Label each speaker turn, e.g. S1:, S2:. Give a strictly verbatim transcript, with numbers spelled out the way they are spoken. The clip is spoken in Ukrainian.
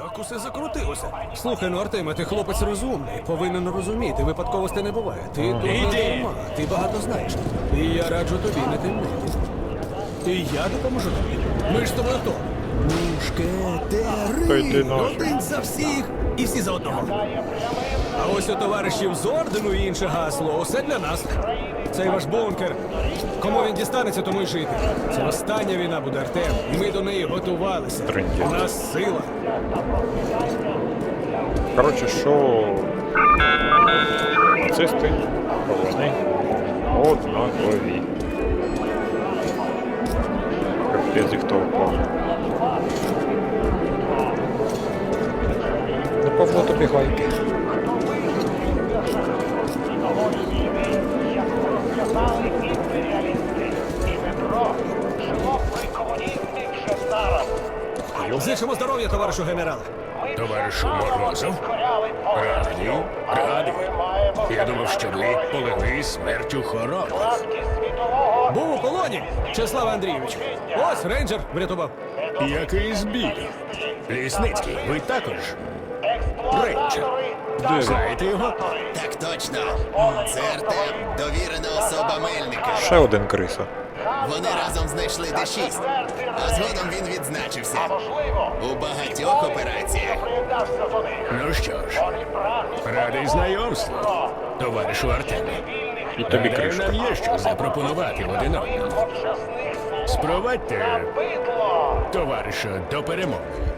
S1: Як усе закрутилося? Слухай, ну Артеме, ти хлопець розумний, повинен розуміти, випадковостей не буває. Ти тут не дарма, ти багато знаєш. І я раджу тобі не темнити. І я допоможу тобі. Ми ж з тобою хто?
S2: Та йди
S1: Мушкетери!
S2: нафіг.
S1: Один за всіх і всі за одного. А ось у товаришів з ордену і інше гасло. Усе для нас. Цей ваш бункер. Кому він дістанеться, тому й жити. Це остання війна буде, Артем. І ми до неї готувалися.
S2: Трындєць.
S1: У нас сила.
S2: Коротше, що нацисти, вони однакові. Капець їх толпа. Не Павло тобі гайки.
S1: Зичимо здоров'я, товаришу генерале.
S3: Товаришу Морозов, радий, радий. Я думав, що ви полегли смертю хороми.
S1: Був у полоні, Чеслав Андрійович. Ось рейнджер врятував.
S3: Який збіг. Лісницький, ви також? Рейнджер. Знаєте його?
S4: Так точно. Це Артем, довірена особа Мельника.
S2: Ще один криса.
S4: Вони разом знайшли Д шість, а згодом він відзначився у багатьох операціях.
S3: Ну що ж, радий знайомству, товаришу Артеме.
S2: І тобі
S3: Гадаю,
S2: кришка.
S3: нам є що запропонувати один одному. Спровадьте, товариша, до перемоги.